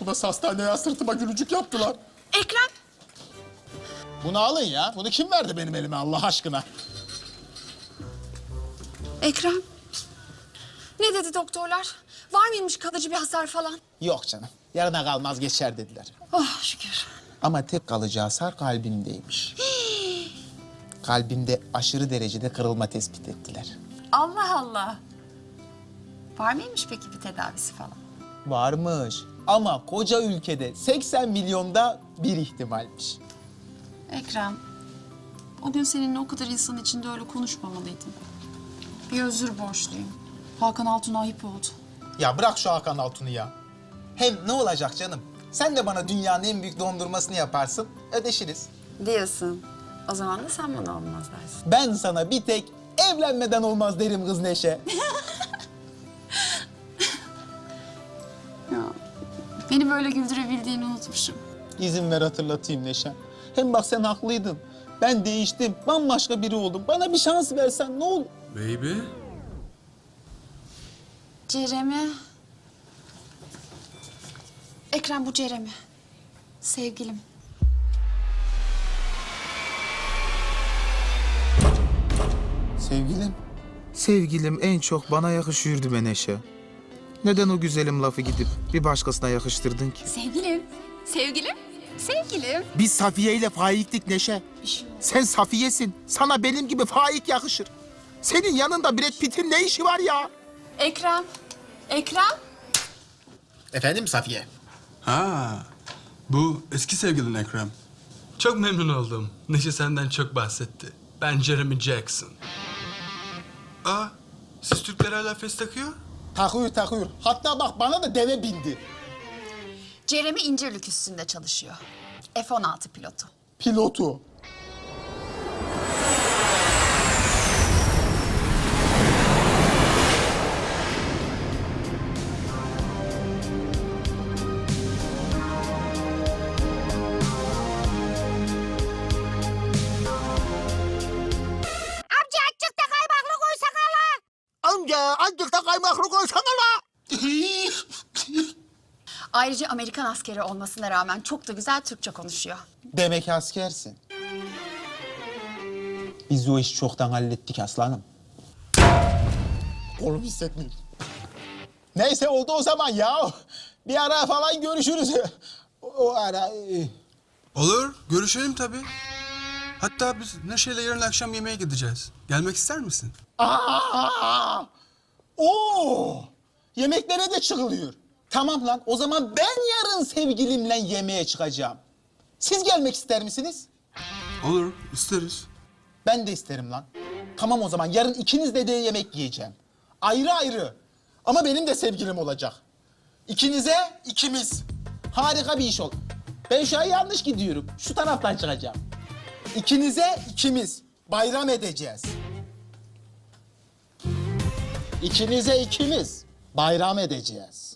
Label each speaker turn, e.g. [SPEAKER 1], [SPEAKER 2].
[SPEAKER 1] Burası hastaneye sırtıma gülücük yaptılar.
[SPEAKER 2] Ekrem.
[SPEAKER 1] Bunu alın ya. Bunu kim verdi benim elime Allah aşkına?
[SPEAKER 2] Ekrem. Ne dedi doktorlar? Var mıymış kalıcı bir hasar falan?
[SPEAKER 1] Yok canım. Yarına kalmaz geçer dediler.
[SPEAKER 2] Oh şükür.
[SPEAKER 1] Ama tek kalıcı hasar kalbimdeymiş. Kalbimde aşırı derecede kırılma tespit ettiler.
[SPEAKER 2] Allah Allah. Var mıymış peki bir tedavisi falan?
[SPEAKER 1] Varmış. Ama koca ülkede 80 milyonda bir ihtimalmiş.
[SPEAKER 2] Ekrem. O gün seninle o kadar insan içinde öyle konuşmamalıydım. Bir özür borçluyum. Hakan Altun'a ayıp oldu.
[SPEAKER 1] Ya bırak şu Hakan Altun'u ya. Hem ne olacak canım? Sen de bana dünyanın en büyük dondurmasını yaparsın, ödeşiriz.
[SPEAKER 2] Diyorsun. O zaman da sen bana olmaz dersin.
[SPEAKER 1] Ben sana bir tek evlenmeden olmaz derim kız Neşe.
[SPEAKER 2] Ya, beni böyle güldürebildiğini unutmuşum.
[SPEAKER 1] İzin ver hatırlatayım Neşe. Hem bak sen haklıydın. Ben değiştim, bambaşka biri oldum. Bana bir şans versen ne olur?
[SPEAKER 3] Baby.
[SPEAKER 2] Cerem'i. Ekrem bu Cerem'i. Sevgilim.
[SPEAKER 1] Sevgilim.
[SPEAKER 4] Sevgilim en çok bana yakışıyordu be Neşe. Neden o güzelim lafı gidip bir başkasına yakıştırdın ki?
[SPEAKER 2] Sevgilim. Sevgilim. Sevgilim.
[SPEAKER 4] Biz Safiye ile Faik'tik Neşe. Sen Safiye'sin. Sana benim gibi Faik yakışır. Senin yanında Brad Pitt'in ne işi var ya?
[SPEAKER 2] Ekrem. Ekrem.
[SPEAKER 1] Efendim Safiye?
[SPEAKER 3] Ha, bu eski sevgilin Ekrem. Çok memnun oldum. Neşe senden çok bahsetti. Ben Jeremy Jackson. Aa, siz Türkler hala fes takıyor?
[SPEAKER 1] Takıyor. Hatta bak bana da deve bindi.
[SPEAKER 2] Cerem'i İncirlik üstünde çalışıyor. F-16 pilotu.
[SPEAKER 1] Pilotu.
[SPEAKER 4] Amca azıcık da kaymaklı koysana la.
[SPEAKER 2] Ayrıca Amerikan askeri olmasına rağmen çok da güzel Türkçe konuşuyor.
[SPEAKER 1] Demek askersin. Biz o işi çoktan hallettik aslanım. Kolum hissetmiyorum. Neyse oldu o zaman ya. Bir ara falan görüşürüz. O ara...
[SPEAKER 3] Olur, görüşelim tabii. Hatta biz Neşe'yle yarın akşam yemeğe gideceğiz. Gelmek ister misin?
[SPEAKER 1] Aa! Oo! Yemeklere de çıkılıyor. Tamam lan, o zaman ben yarın sevgilimle yemeğe çıkacağım. Siz gelmek ister misiniz?
[SPEAKER 3] Olur, isteriz.
[SPEAKER 1] Ben de isterim lan. Tamam o zaman, yarın ikinizle de yemek yiyeceğim. Ayrı ayrı. Ama benim de sevgilim olacak. İkinize ikimiz. Harika bir iş ol. Ben şu an yanlış gidiyorum. Şu taraftan çıkacağım. İkinize ikimiz. Bayram edeceğiz. İkinize ikimiz. Bayram edeceğiz.